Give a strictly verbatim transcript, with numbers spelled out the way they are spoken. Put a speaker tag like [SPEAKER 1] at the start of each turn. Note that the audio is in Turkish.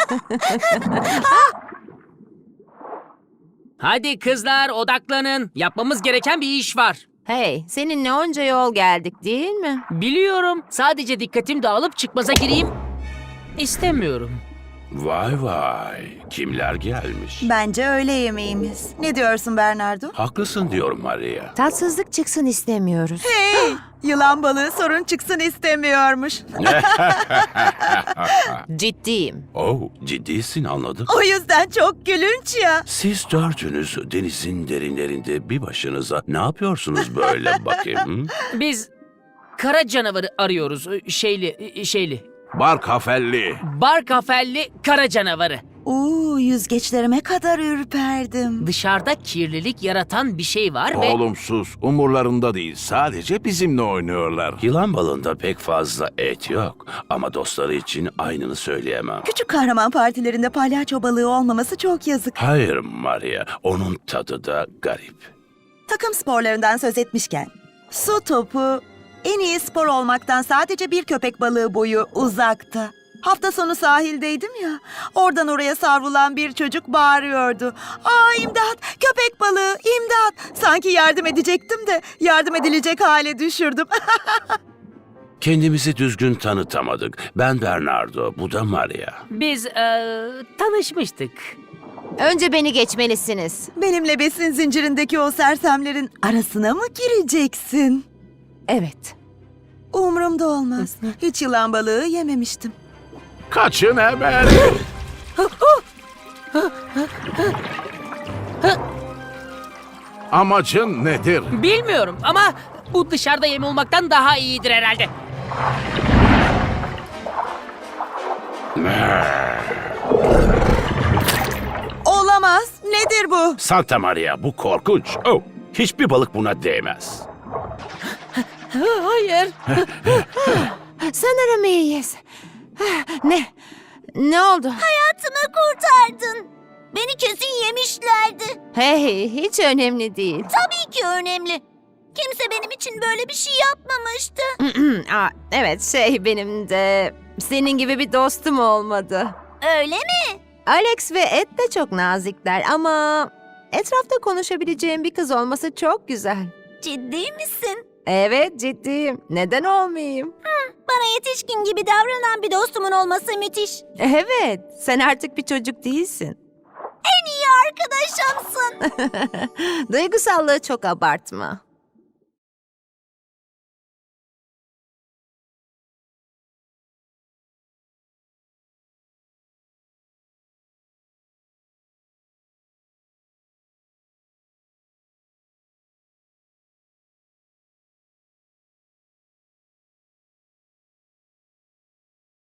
[SPEAKER 1] Hadi kızlar odaklanın. Yapmamız gereken bir iş var.
[SPEAKER 2] Hey, seninle onca yol geldik değil mi?
[SPEAKER 1] Biliyorum. Sadece dikkatim dağılıp çıkmaza gireyim istemiyorum.
[SPEAKER 3] Vay vay, kimler gelmiş?
[SPEAKER 4] Bence öğle yemeğimiz. Ne diyorsun Bernardo?
[SPEAKER 3] Haklısın diyorum Maria.
[SPEAKER 2] Tatsızlık çıksın istemiyoruz.
[SPEAKER 4] Hey! Yılan balığı sorun çıksın istemiyormuş.
[SPEAKER 2] Ciddiyim.
[SPEAKER 3] Oh, ciddisin anladım.
[SPEAKER 4] O yüzden çok gülünç ya.
[SPEAKER 3] Siz dördünüz denizin derinlerinde bir başınıza ne yapıyorsunuz böyle bakayım?
[SPEAKER 1] Biz kara canavarı arıyoruz. Şeyli, şeyli.
[SPEAKER 3] Bar kafelli.
[SPEAKER 1] Bar kafelli kara canavarı.
[SPEAKER 4] Uuu yüzgeçlerime kadar ürperdim.
[SPEAKER 1] Dışarıda kirlilik yaratan bir şey var ve...
[SPEAKER 5] Olumsuz, umurlarında değil. Sadece bizimle oynuyorlar.
[SPEAKER 3] Yılan balığında pek fazla et yok ama dostları için aynını söyleyemem.
[SPEAKER 4] Küçük kahraman partilerinde palyaço balığı olmaması çok yazık.
[SPEAKER 3] Hayır Maria, onun tadı da garip.
[SPEAKER 4] Takım sporlarından söz etmişken, su topu en iyi spor olmaktan sadece bir köpek balığı boyu uzakta. Hafta sonu sahildeydim ya, oradan oraya savrulan bir çocuk bağırıyordu. Aa imdat, köpek balığı, imdat. Sanki yardım edecektim de yardım edilecek hale düşürdüm.
[SPEAKER 3] Kendimizi düzgün tanıtamadık. Ben Bernardo, bu da Maria.
[SPEAKER 1] Biz eee, tanışmıştık.
[SPEAKER 2] Önce beni geçmelisiniz.
[SPEAKER 4] Benimle besin zincirindeki o sersemlerin arasına mı gireceksin?
[SPEAKER 2] Evet.
[SPEAKER 4] Umurumda olmaz. Hiç yılan balığı yememiştim.
[SPEAKER 5] Kaçın hemen. Amacın nedir?
[SPEAKER 1] Bilmiyorum ama bu dışarıda yem olmaktan daha iyidir herhalde.
[SPEAKER 4] Olamaz. Nedir bu?
[SPEAKER 3] Santa Maria, bu korkunç. Oh, hiçbir balık buna değmez.
[SPEAKER 1] Hayır.
[SPEAKER 2] Sanırım iyiyiz. Ne? Ne oldu?
[SPEAKER 6] Hayatımı kurtardın. Beni kesin yemişlerdi.
[SPEAKER 2] Hey, hiç önemli değil.
[SPEAKER 6] Tabii ki önemli. Kimse benim için böyle bir şey yapmamıştı.
[SPEAKER 2] Aa, evet, şey benim de senin gibi bir dostum olmadı.
[SPEAKER 6] Öyle mi?
[SPEAKER 2] Alex ve Ed de çok nazikler ama etrafta konuşabileceğim bir kız olması çok güzel.
[SPEAKER 6] Ciddi misin?
[SPEAKER 2] Evet, ciddiyim. Neden olmayayım?
[SPEAKER 6] Bana yetişkin gibi davranan bir dostumun olması müthiş.
[SPEAKER 2] Evet, sen artık bir çocuk değilsin.
[SPEAKER 6] En iyi arkadaşımsın.
[SPEAKER 2] Duygusallığı çok abartma.